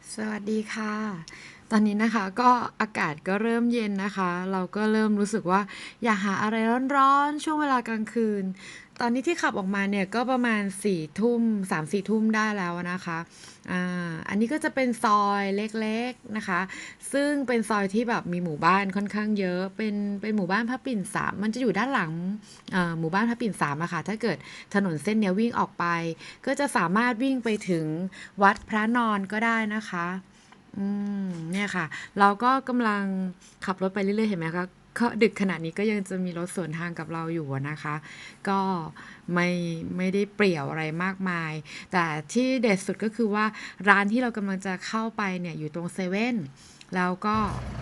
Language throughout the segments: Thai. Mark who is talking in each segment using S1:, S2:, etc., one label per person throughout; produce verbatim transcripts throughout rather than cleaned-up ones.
S1: สวัสดีค่ะ ตอนนี้นะคะก็อากาศก็เริ่มเย็นนะคะ เราก็เริ่มรู้สึกว่าอยากหาอะไรร้อนๆช่วงเวลากลางคืน ตอนนี้ที่ขับออกมาเนี่ยก็ประมาณสี่ทุ่มสามสี่ทุ่มได้แล้วนะคะอ่าอันนี้ก็จะเป็นซอยเล็กๆนะคะ ซึ่งเป็นซอยที่แบบมีหมู่บ้านค่อนข้างเยอะ เป็นเป็นหมู่บ้านพระปิ่นสามมันจะอยู่ด้านหลังเอ่อหมู่บ้านพระปิ่นสามอะค่ะถ้าเกิดถนนเส้นเนี้ยวิ่งออกไป ก็จะสามารถวิ่งไปถึงวัดพระนอนก็ได้นะคะ อืมเนี่ยค่ะ เราก็กำลังขับรถไปเรื่อยๆเห็นไหมคะก็ดึกขนาดนี้ก็ยังจะมีรถสวนทางกับเราอยู่อะนะคะ ก็ไม่ไม่ได้เปรี่ยวอะไรมากมาย แต่ที่เด็ดสุดก็คือว่าร้านที่เรากำลังจะเข้าไปเนี่ยอยู่ตรงเซเว่นแล้วก็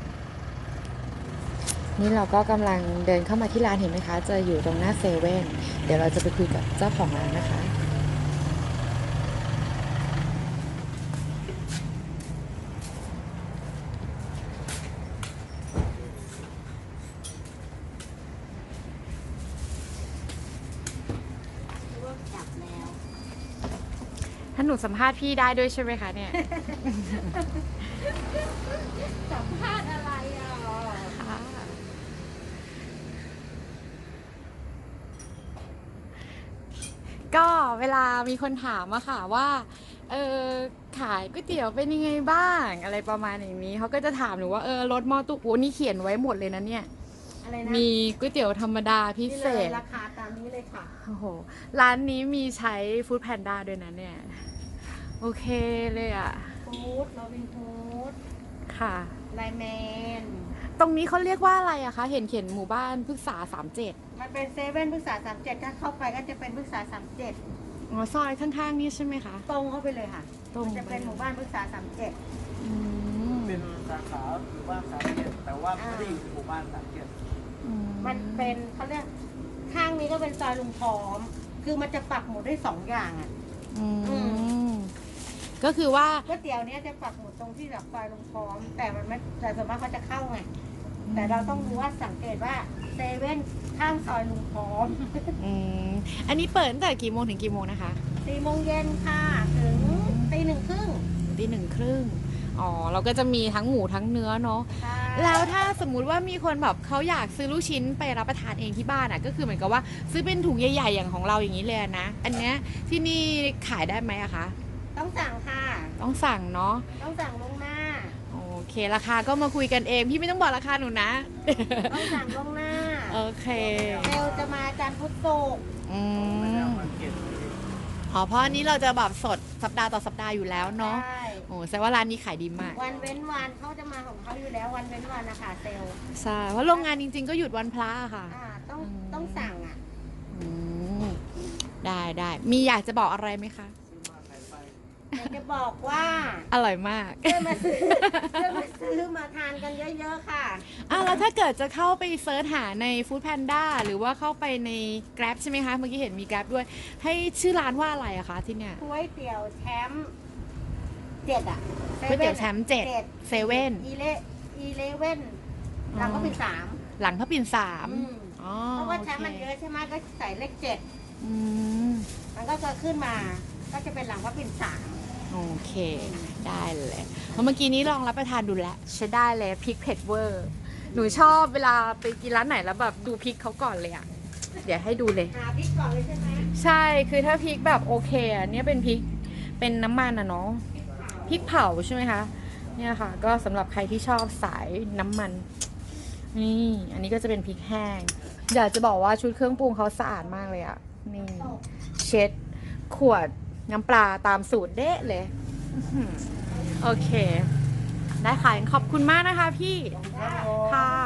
S1: นี่เราก็กำลังเดินเข้ามาที่ร้านเห็นไหมคะ จะอยู่ตรงหน้าเซเว่นเดี๋ยวเราจะไปคุยกับเจ้าของร้านนะคะ
S2: จับแล้ว
S1: ถ้าหนูสัมภาษณ์พี่ได้ด้วยใช่ไหมคะเนี่ย
S2: สัมภาษณ์อะไรอ่ะ
S1: ก็เวลามีคนถามอะค่ะว่า เออขายก๋วยเตี๋ยวเป็นยังไงบ้างอะไรประมาณอย่างนี้เขาก็จะถามหนูว่าเออรสหม้อตุกโอ้นี่เขียนไว้หมดเลยนะเนี่ย
S2: อะไรนะ
S1: มีก๋วยเตี๋ยวธรรมดาพิ
S2: นี่
S1: เศ
S2: เลย
S1: ษ
S2: ราคาตามนี้เลยค่ะ
S1: โอ้โหร้านนี้มีใช้ฟู้ดแพนด้าด้วยนะเนี่ย โอเคเลยอะ
S2: ฟู้ดโรบินฟู้ด
S1: ค่ะ
S2: ไลแมน
S1: ตรงนี้เขาเรียกว่าอะไรอะคะ เห็นเขียนหมู่บ้านพฤกษาสามเจ็ด
S2: มันเป็นเซเว่นพฤกษาสามเจ็ดถ้าเข้าไปก็จะเป็นพฤกษาสามเจ็ด
S1: อ๋อซอยข้างๆนี่ใช่ไหมคะ
S2: ตรงเข้าไปเลยค่ะ
S1: ตรง
S2: มันจะเป็นหมู่บ้านพฤกษาสามเจ็ด
S1: อืม
S3: เป็นสาขาหมู่บ้านสามเจ็ดแต่ว่าไม่ได้อยู่ในหมู่บ้านสามเจ็ด
S1: อื
S2: มันเป็นเขาเรียกข้างนี้ก็เป็นซอยลุงพร้อม คือมันจะปักหมุดได้สองอย่างอ่ะ
S1: อื
S2: อื
S1: มก็คือว่า
S2: ก๋วยเตี๋ยวเนี้ยจะปักหมุดตรงที่แบบซอยลุงพร้อม แต่มันไม่แต่ส่วนมากเขาจะเข้าไง แต่เราต้องรู้ว่าสังเกตว่าเซเว่นข้างซอยลุงพร้อม
S1: อืมอันนี้เปิดตั้งแต่กี่โมงถึงกี่โมงนะคะ
S2: สี่โมงเย็นค่ะ ถึงตีหนึ่งครึ่ง
S1: ตีหนึ่งครึ่งอ๋อ เราก็จะมีทั้งหมูทั้งเนื้อเนาะ
S2: ใช่
S1: แล้วถ้าสมมุติว่ามีคนแบบเขาอยากซื้อลูกชิ้นไปรับประทานเองที่บ้านอ่ะ ก็คือเหมือนกับว่าซื้อเป็นถุงใหญ่ๆอย่างของเราอย่างนี้เลยนะ อันเนี้ยที่นี่ขายได้ไหมอะคะ
S2: ต้องสั่งค่ะ
S1: ต้องสั่งเนาะ
S2: ต้องสั่งล่วงหน้า
S1: โอเค ราคาก็มาคุยกันเอง พี่ไม่ต้องบอกราคาหนูนะ
S2: ต้องสั่งล่วงหน้า
S1: โอเค
S2: เซลลจะมาจันทร์พุธศุกร์
S1: อืม
S3: ไม่ได้เอามาเก็บ
S1: อ๋อเพราะอันนี้เราจะแบบสดสัปดาห์ต่อสัปดาห์อยู่แล้วเนาะ
S2: ใช่
S1: โอ้แสดงว่าร้านนี้ขายดีมาก
S2: วันเว้นวันเขาจะมาของเขาอยู่แล้ววันเว้นวันนะคะเซลล
S1: ใช่ เพราะโรงงานจริงๆก็หยุดวันพระอะค่ะ
S2: อ่าต้อง
S1: อืม
S2: ต้องสั่งอ่ะ
S1: อืมได้ได้มีอยากจะบอกอะไรไหมคะ
S2: อยากจะบอกว่า
S1: อร่อยมาก
S2: เพื่อนมาซื้อเพื่อนมาซื้อมาทานกันเยอะๆค่ะ
S1: อ่ะแล้วถ้าเกิดจะเข้าไปเซิร์ชหาใน Food Panda หรือว่าเข้าไปใน Grab ใช่ไหมคะ เมื่อกี้เห็นมี Grab ด้วย ให้ชื่อร้านว่าอะไรอะคะที่เนี่ย
S2: ก๋วยเตี๋ยวแชมป์เจ็ดอ่ะ
S1: ก๋วยเตี๋ยวแชมป์เจ็ดเซเว่น
S2: อีเลอีเลเว่นหลังก็เป็นสาม
S1: หลังพระปิ่นสาม
S2: อืม
S1: อ๋อ
S2: เพราะว่า
S1: โอ
S2: แช
S1: เค
S2: มป์มันเยอะใช่ไหมก็ใส่เลขเจ็ด
S1: อืม
S2: มันก็จะขึ้นมา ก็จะเป็นหลังว่าเป็นสาม
S1: โอเค ได้เลยเพราะเมื่อกี้นี้ลองรับประทานดูแล้วใช้ได้เลยพริกเผ็ดเวอร์ หนูชอบเวลาไปกินร้านไหนแล้วแบบดูพริกเขาก่อนเลยอะเดี๋ยวให้ดูเลย
S2: หาพริกก่อนเลยใช่ไหม
S1: ใช่คือถ้าพริกแบบโอเคอะเนี่ยเป็นพริกเป็นน้ำมันอะเนาะพริกเผาใช่ไหมคะเนี่ยค่ะ ก็สำหรับใครที่ชอบสายน้ำมันนี่อันนี้ก็จะเป็นพริกแห้งอยากจะบอกว่าชุดเครื่องปรุงเขาสะอาดมากเลยอะนี่เช็ดขวดน้ำปลาตามสูตรเด๊ะเลยอื้อหือโอเค ได้ค่ะขอบคุณมากนะคะพี่ ค่ะ